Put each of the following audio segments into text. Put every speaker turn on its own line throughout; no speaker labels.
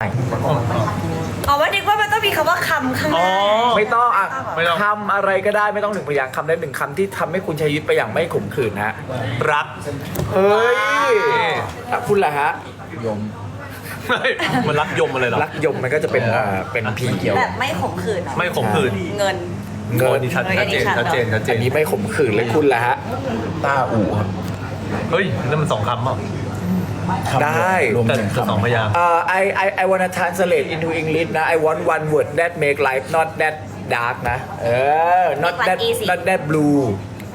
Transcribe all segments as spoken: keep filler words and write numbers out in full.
อ๋อว่านึกว่ามันต้องมีคำว่าคำข้างหน้า
ไม่ต้องอ่ะ
ไม่ต้อง
คำอะไรก็ได้ไม่ต้องหนึ่งพยางค์คำได้หนึ่งคำที่ทำให้คุณใช้ชีวิตไปอย่างไม่ขมขื่นฮะ
รัก
เฮ้ยอ่ะคุณล่ะฮะยม
มันรักยมอะไรหรอ
รักยมมันก็จะเป็นอ่าเป็นพีเกี่ยว
แบบไม่ขมขื่นเหรอ
ไม่ขมขื่น
เงิน
เงิน
ชัดชัดเจนชัดเจนชัดเจ
อั
น
นนี้ไม่ขมขื่นเลยคุณล่ะฮะ
ต้าอู่ครับ
เฮ้ยนั่นมันสองคำเปล่า
ได้
รวม
แต่
ถึง
สอง
คำ
พยางค์
Uh, I I I wanna translate into English นะ I want one word that make life not that dark นะ เออ not
Make
that
life easy
not that blue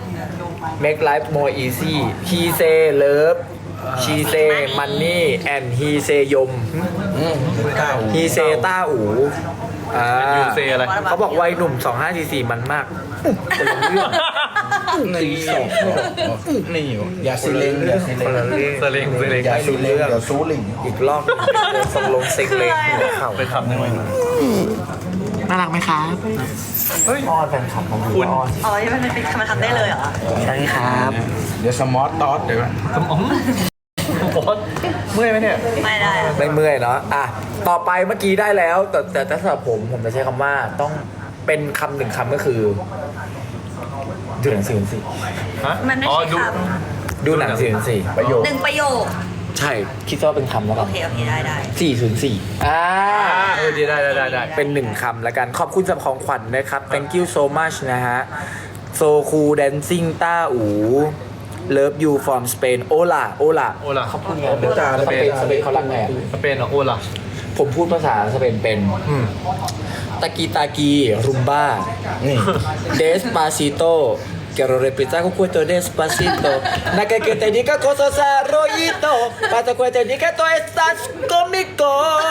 make life more easy he say love she say money and he say ยม
ต้าอู่
he say ต้าอูอ่า
ยูเซอะไร
เขาบอกวัยหนุ่มสองห้าสี่สี่มันมากคนละเรื่อง
ตีสองนี่อยู่อย่าซีเลงอย่าซีเล
คน
ง
ละเรื่อง
เซเลงเซเลง
อย่าซีเลงอย่าซูลิง
อีกรอบหนึ่งทรงลงเซ็งเลยหัวเข่า
ไปคำได้ไหม
น่ารักไหมครับ
เฮ้ย
อ้อนแฟนคลับของ
คุณ
อ้อน
อ๋อนี่มันเป็นคำมันทำได้เลยเหรอ
ใช่ครับ
เดี๋ยวสมอตตอสเดี๋ยวก่อน
สมองบอสเมื่อยไหมเนี่ย
ไม่ได้อะ
ไม่เมื่อยเนาะอ่ะต่อไปเมื่อกี้ได้แล้ว แต่แต่สำหรับผมผมจะใช้คำว่าต้องเป็นคำหนึ่งคำก็คือ ดูหนังสือสิ
ฮะ
มันไม่
อ๋อ
ใช่
ดู
ค
ดูหนังสือสิ
ประโยค
ำหนึ่งประโยค
ใช่คิดว่าเป็นคำแล้ว
โอ
กัน
เคโอเคได้ได้
สี่ศูนย์สี่อ่า
เออดีได้ได้ได้ได้
เป็นหนึ่งคำแล้วกัน ขอบคุณสำหรับของขวัญนะครับ thank you so much นะฮะ so cool dancing ต้าอู love you from Spain โอลาโอลา
โอล่ะ
เขาพูดไงสเปนสเปนเขารักไงอะ
สเปนเหรอโอล่ะ
ผมพูดภาษาสเปนเป็น
อืม
ตากีตากีรุมบ้า
นี่
Despacito quiero repetir con cuento despacito Naka que te diga cosas arroyito Para que te diga tú estás conmigo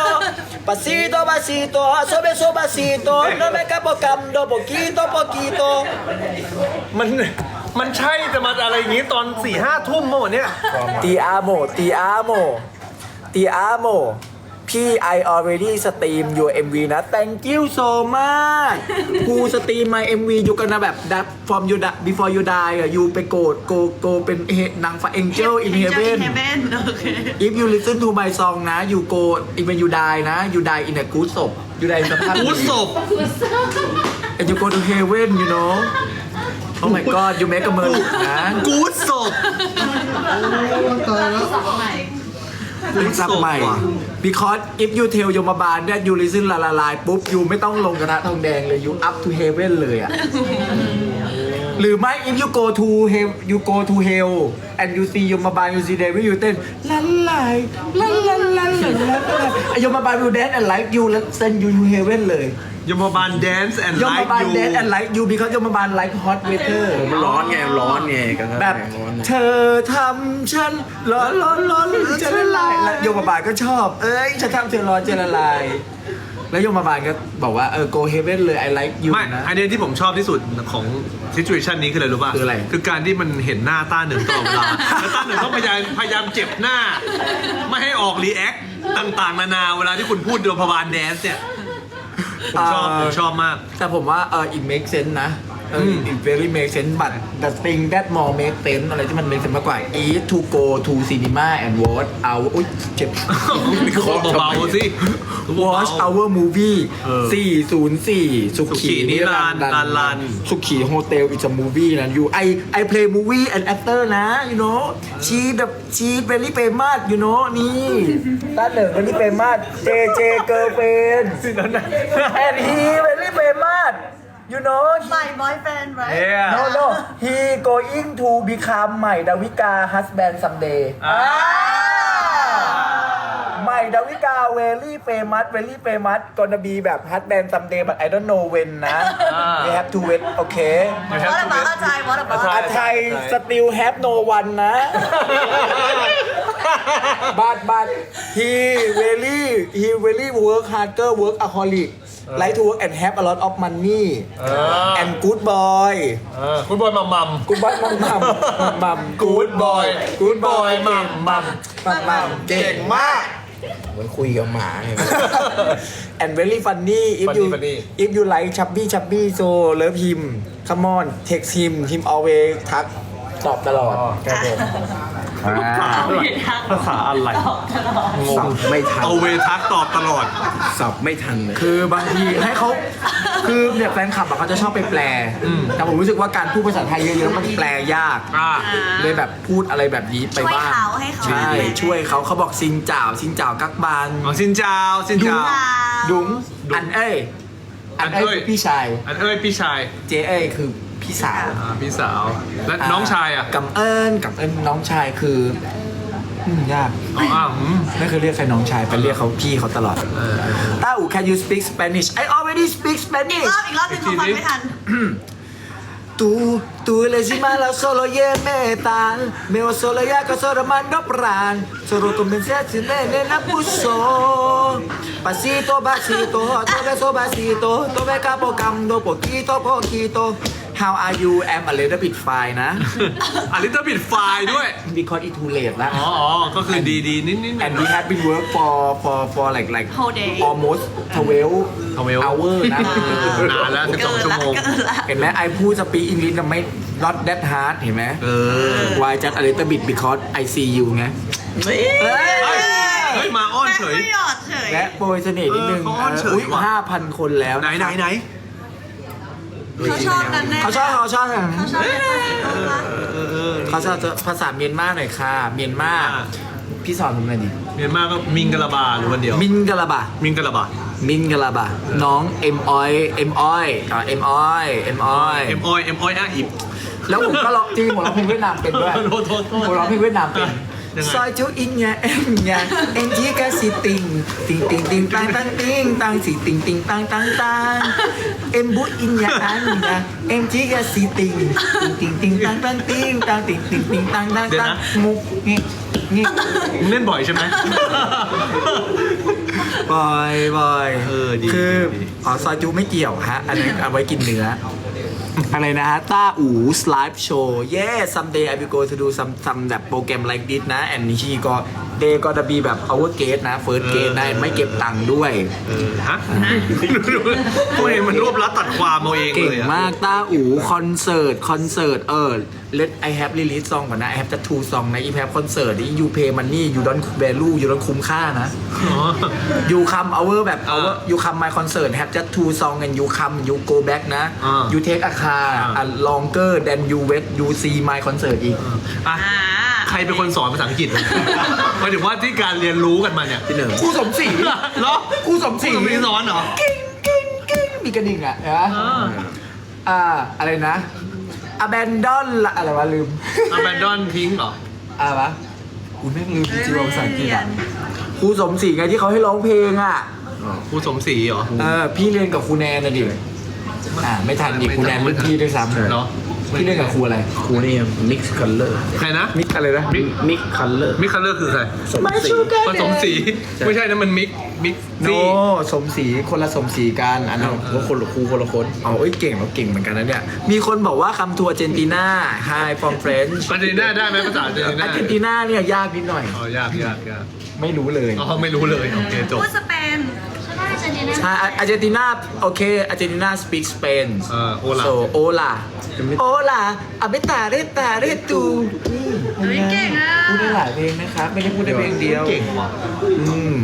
Pasito pasito suave suavecito No me capo cambio poquito poquito
มันมันใช่แต่มาอะไรอย่างงี้ตอนสี่ห้าทุ่มเมื่อวันเนี้ย
Ti amo ti amo ti amo พี่ I already stream your เอ็ม วี นะ thank you so much กู stream my เอ็ม วี อยู่กันนะแบบ that from you die before you die อ่ะ you ไปโกรธ go go เป็นนางฟ้า angel in heaven if you listen to my song นะ you go when you die นะ you die in a good soul you die in สภาพ
กูศพ
and you go to heaven you know oh my god you make a murder นะ
กูศพ
คุณซับใหม่ because if you tell ยมบาล that you listen ละละลายปุ๊บ you ไม่ต้องลงกระทะทองแดงเลย you up to heaven เลยอ่ะ หรือไม่ if you go to hell you go to hell and you see ยมบาล you see devil you เต้นละลายละละละละละยมบาล you dance and like you แล้ว send you to heaven เลย
ยมบาล dance and
ยม
like
บาล
you
dance and like you because ยมบาล like hot weather
มันร้อนไงร้อนไงกัน
แบบ
ร้อน
เธอทำฉันร้อนร้อนร้อนจะละลายแล้วโยมบาลก็ชอบ เอ้ยฉันทำเธอร้อนจะละลาย แล้วโยมบาลก็บอกว่าเออ go heaven เลย I like you
ไม่
นะ
อันเนี้ยที่ผมชอบที่สุดของ situation นี้คืออะไรรู้ป่ะ
คืออะไร
คือการที่มันเห็นหน้าต้าหนึ่งตลอดเวลา แล้วต้าหนึ่งต้องพยายามพยายามเจ็บหน้า ไม่ให้ออกรีแอคต่างๆ นานาเวลาที่คุณพูดโดยพบาลแดนซ์เนี่ย ผมชอบ ผมชอบมาก
แต่ผมว่าเออ it make sense นะเออ
ม
it very make sense but the thing that more make sense อะไรที่มัน make sense มากกว่า is to go to cinema and watch our อุ้ยเจ็บ
เบาๆสิ
watch our movie
เออ
สี่ศูนย์สี่ สุ
สุขี
ขี
นิรันดร์รันรัน
สุขีโฮเทล is a movie นะ you I I play movie and actor นะ you know she the she very famous you know นี่ต้าเหนึ่ง very famous เจ เจ girlfriend and he very famous you know
my boyfriend right
Yeah
no no he going to become ใหม่ดาวิกา husband someday
อ่า
ใหม่ดาวิกา very famous very famous gonna be แบบ husband someday but I don't know when นะ we have to wait okay
You have
what
to
about
wait.
อาจารย์ what about
อา
อา
จารย์
ไทย still have no one นะ but but he really he really work harder work alcoholic like to work and have a lot of money
เออ
and good boy
เออคุณบอยมัมมัม
good boy มัมมัมมัม
Good boy Good boy มัมมัม
มัมมัมเก่งมาก
เหมือนคุยกับหมาไง
and very funny if
Funny,
you
funny.
if you like chubby chubby so love him come on text him him always ทักตอบตลอด
อ๋อ
ครับผม
ภาษาอะไรง
สั
ง
บไม่ทัน
เอาเวทักตอบตลอด
สับไม่ทันเลย
คือบางทีให้เขาคือเนี่ยแฟนคลับอะเขาจะชอบไปแปล
อืม
แต่ผมรู้สึกว่าการพูดภาษาไทยเยอะๆมันแปลยาก
อ่า
เลยแบบพูดอะไรแบบนี้ไป
ช่วย
บ้าง
เขาให้เขา
ใช่ ช่วยเขาเขาบอกซิงจ่าวซิงจ่าวกักบาน
อ๋อสินเจ้าสินเจ้า
ดุงอันเอ้ยอันเอ้ยคือพี่ชาย
อันเอ้ยพี่ชาย
เจเอ้ยคือพี่สาว
อ่าพี่สาว และน้องชายอ่ะ
กำเอิญกำเอิญน้องชายคืออืมยาก
อ๋ออ้าวอืม
ไม่เคยเรียกใครน้องชายไปเรียกเขาพี่เขาตลอด
เออ
ต้าอู can you speak Spanish I already speak
อีก
Spanish
รอบอีกรอบหนึงเขาฟังไม่ทัน
Tú, tú eres mala, solo ye metal. Meo solo ya que solo mando pran. Solo comencé a tener la puso. Pasito, pasito, todo eso pasito. Todo me capo cando poquito, poquito. How are you? I'm a little bit fine นะ
อันนี้ต้องปิดไฟล์ด้วย
Because it too late แล้ว
อ๋ออ๋อก็คือดีดีนิดนิด
And we have been work for for for like like
Whole day
almost twelve
12
hour นะ
นานแล้วสิบส
เกิ
อง
น
ชั่ว
ละ
โมง
เกินละ
เห็นไหมไอพูดสปีกอังกฤษไม่ not that hard เห็นไหม
เออ
Why just a little bit because I see you ไง
เฮ้ยเฮ้ยมาอ้อนเฉย
แม่ไม่หยอดเฉย
และโปรยเสน่ห์นิดนึง
เออเขาอ้อนเฉย
อุ้ย
ว่ะ
ห้าพันคนแล้ว
ไหนไหนไหน
เขาชอบนั่นแน่
เขาชอบเขาชอบ
เขาชอบเป็นภาษาอังกฤษ
เออเออ
เขาชอบภาษาเมียนมาหน่อยค่ะ เมียนมา
อ่า
พี่สอนผมหน่อยดิ
เมียนมาก็มิงกะลาบาหรือวันเดียว
มินกะลาบะ
มิงกะลาบา
มินกะลาบะน้องเอ็มออยเอ็มออยอ่าเอ็มออยเอ็มออย
เอ็มออยเอ็มออยอ่ะอิบ
แล้วผมก็ร้องจริงผมร้องเพลงเวียดนามเป็นด้วย
โทษโทษโทษ
ผมร้องเพลงเวียดนามเป็น
ยังไง
ซอยจูอิงยาเอ็มยาเอ็นจีกาสิติงติงติงติงตังตังติงตังสิติงติงตังตังตังเอ็มบุอิงยาอันยาเอ็นจีกาสิติงติงติงติงตังตังติงตังติงติงติงตังตังตังมุกงี้งี้
มึงเล่นบ่อยใช่ไหม
บอยบอย
เออดี
คือ
ดี
อ๋อซอยจูไม่เกี่ยวฮะ อันนั้นเอาไว้กินเนื้อ อะไรนะฮะ ต้าอู live show yeah someday I will go to do some some แบบโปรแกรม like this นะ and she ก็ they ก็จะ be แบบ our guest นะ first guest นะ ไม่เก็บตังค์ด้วย
เออฮะทำไมมันรวบรัดตัดความเอาเอง
เก่
เล
ง
ยอะ
มากต้าอูคอนเสิร์ตคอนเสิร์ตเออ let I have release song ก่อนนะ I have just two song นะ I have concert นี่ you pay money you don't value you don't คุ้มค่านะ
อ๋อ
you come our แบบ
อ่า
our you come my concert have just two song and you come you go back นะ
อ่า
you take a car
อ่า
a longer than you wait you see my concert อีก
อ่ะ
อ่า
ใครเป็นคนสอนภาษาอังกฤษวะหมายถึงว่าที่การเรียนรู้กันมาเนี่ย
พี่เหนิง
ครูสมศรี
เหรอ
ครูสมศรี
คุณไม่สอนเหรอ
กิ้งกิ้งกิ้งมีกระดิ่งอ่ะเห็นไหม
อ่า
อ่าอะไรนะ abandon ละอะไรวะลืม
abandon ทิ้งเหรอ
อะไรวะกูแม่งลืมจริงๆว่าภาษาอังกฤษอ่ะครูสมศรีไงที่เขาให้ร้องเพลงอ่ะ
ครูสมศรีเหรอ
เออพี่เรียนกับครูแนนนะดิอ่าไม่ทันอีกครูแนนรุ่นพี่ด้วยซ้ำ
เหรอ
พี่เรียนกับครูอะไร
ครูนี่ mix color
ใครนะ
มิกอะไรนะ
mix color
มิกคัลเลอร์คือใคร
ไม่ชูกัน
ผสมสี ไม่ใช่นะมันมิกมิก
โน
ซี่
สมศรีคนละสมศรีกันอันนั้น
ว่าคนละครูคนละคน
อ๋อเอ้ยเก่งเราเก่งเหมือนกันนะเนี่ยมีคนบอกว่าคำทัวร์อาร์เจนตินา Hi from French
อาร์เจนตินาได้ไหมภาษาอาร์เจนตินา
อาร์เจนตินาเนี่ยยากนิดหน่อย
อ๋อยากยากยาก
ไม่รู้เลย
อ๋อไม่รู้เลยโอเคจบ
พูดสเปน
ใช่อาร์เจนตินาโอเคอาร์เจนตินา speak Spain
เออ hola
so hola hola a b e t a r e t a r e tu
เฮ้ยเก่งอ่ะ
พูดได้หลายเพลงนะครับไม่ได้พูดได้เพลงเดียว
เก่งว่ะ
อืม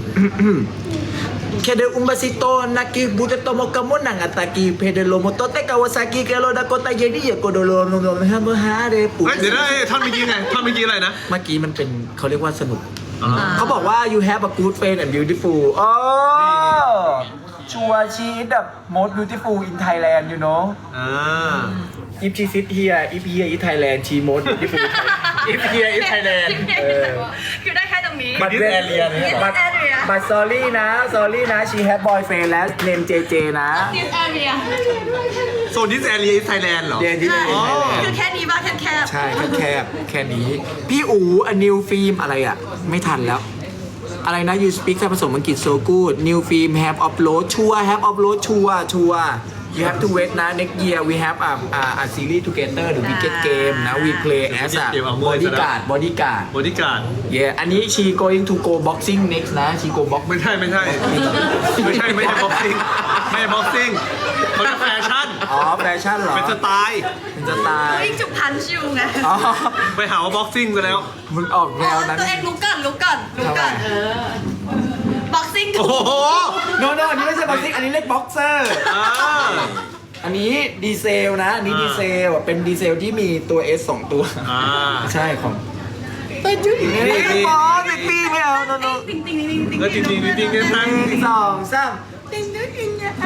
Kede un vasito naki buta tomo kamo nang ataki pede lo motote kawasaki kelo dakota jadi ya kodolo no no hamo hare
เฮ้ยเดี๋ยวนะเอ้ยท่อนเมื่อกี้ไงท่อนเมื่อกี้อะไรนะ
เมื่อกี้มันเป็นเขาเรียกว่าสนุก
อ๋อ
เขาบอกว่า you have a good friend and beautiful อ๋อชัวชีดแบบ most beautiful in Thailand you know
อ่า
if she sit here if here in Thailand she most beautiful if here in Thailand เออ
คือได้แค่ตรงนี้
but
This area เนี่ยเหรอ
but but sorry นะ sorry นะ she have boyfriend แล้ว name เจ เจ นะ
this area
โซนดิสแอเรียไทยแลนด์เหรอ
เรียนที่
ใช่
ไหน
คือแค่นี้บ้างแคบแคบ
ใช่แคบๆแค่นี้ พี่อูอันนิวฟิล์มอะไรอ่ะ ไม่ทันแล้ว อะไรนะ you speak แค่ผสมอังกฤษ so good new film have upload ชัว have upload ชัวชัว you have to wait นะ next year we have a a, a series together the wicked game นะ we play as a bodyguard bodyguard
บริการ
yeah อันนี้ she going to go boxing next นะ she go box
ไม่ใช่ไม่ใช่ ไม่ใช่ไม่ใช่บ็อกซิ่งไม่ใช่บ็อกซิ่งเขาจะแฟชั่น
อ๋อแฟชั่นเหรอ
เป็นสไตล์
เป็นสไตล์
วิ่งจุกพันชิวไง
อ๋อ
ไปหาว่าบ็อกซิ่งไปแล้ว
มึงออกแนวนั้น
ตัวเองลุกก่อนลุกก่อนลุกก่อน
ทำไม
เออบ็อกซิ่ง
โอ้โห
no no อันนี้ไม่ใช่บ็อกซิ่งอันนี้เรียกบ็อกเซอร์
อ่า
อันนี้ดีเซลนะ อันนี้
อ่า
ดีเซลเป็นดีเซลที่มีตัว S สองตัว
อ่า
ใช่ของแต่จุ๊ย
นี่นี่
ไม่พอติดปีไม่เอา no no
ติ๊งติ๊งติ๊งติ๊งติ๊ง
แล้วจริงๆจริงๆเนี่ยตั้ง
หนึ่งสองสาม
ติ๊งติ๊งติ๊ง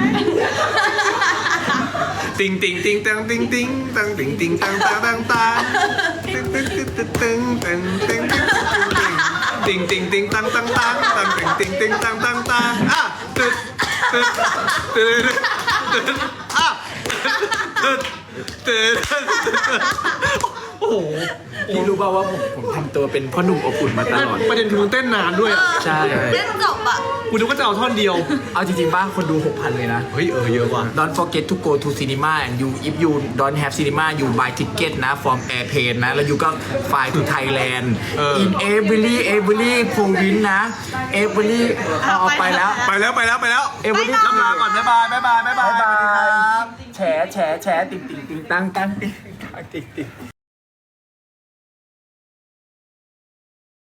ติงติงติงตังติงติงตังติงติงตังตังตังตังติงติงติงติงติงติงติงติงติงติงตังตังตังตังติงติงติงตังตังตังอ่ะตึ๊ดตึ๊ดตึ๊ดตึ๊ดอ่ะตึ๊ดตึ๊ดโอ้โห
พี่รู้ป่าวว่าผมผมทำตัวเป็นพ่อหนุ่มอบอุ่นมาตลอด
ประเด็นคือมึงเต้นนานด้วย
ใช่
เล่นจบอ่ะ
กูนึกว่าจะเอาท่อนเดียว
เอาจริงๆป่ะคนดู หกพัน เลยนะ
เฮ้ยเออเยอะว่ะ
Don't forget to go to cinema and you if you don't have cinema you buy ticket นะ from airplane นะ แล้วyouก็ fly to Thailand
เออ
in every every province นะ every เอาเอาไปแล้ว
ไปแล้วไปแล้วไปแล้ว
every
ลำลาก่อนบ๊ายบายบ๊ายบายบ๊ายบาย
บ๊ายบายแฉแฉแฉติ่งติ่งติ่งตังตังติ่งตังติ่งติ่ง